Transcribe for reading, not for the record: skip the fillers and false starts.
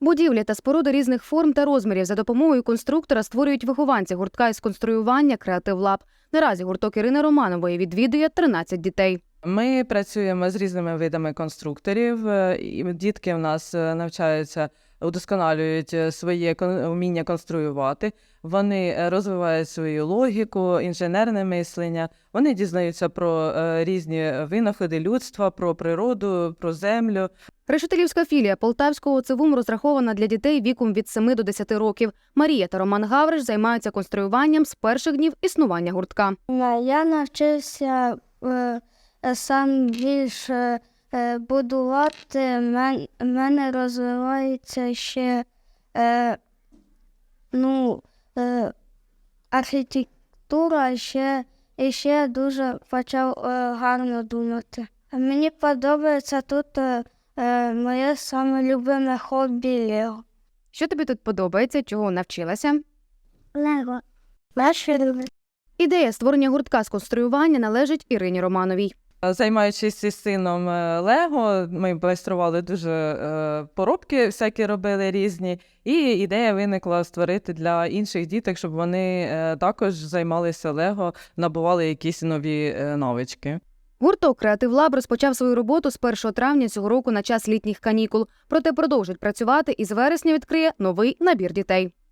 Будівлі та споруди різних форм та розмірів за допомогою конструктора створюють вихованці гуртка із конструювання «Креатив Лаб». Наразі гурток Ірини Романової відвідує 13 дітей. Ми працюємо з різними видами конструкторів. І дітки в нас навчаються, удосконалюють своє вміння конструювати. Вони розвивають свою логіку, інженерне мислення. Вони дізнаються про різні винаходи людства, про природу, про землю. Решетилівська філія Полтавського ЦВУМ розрахована для дітей віком від 7 до 10 років. Марія та Роман Гавриш займаються конструюванням з перших днів існування гуртка. Я навчився сам більше будувати. В мене розвивається ще архітектура, і ще дуже почав гарно думати. Мені подобається тут моє саме любиме хобі Лего. Що тобі тут подобається, чого навчилася? Лего. Наше любиме. Ідея створення гуртка з конструювання належить Ірині Романовій. Займаючись із сином Лего, ми майстрували дуже поробки, всякі робили різні. І ідея виникла створити для інших діток, щоб вони також займалися Лего, набували якісь нові навички. Гурток «Креатив Лаб» розпочав свою роботу з 1 травня цього року на час літніх канікул. Проте продовжить працювати і з вересня відкриє новий набір дітей.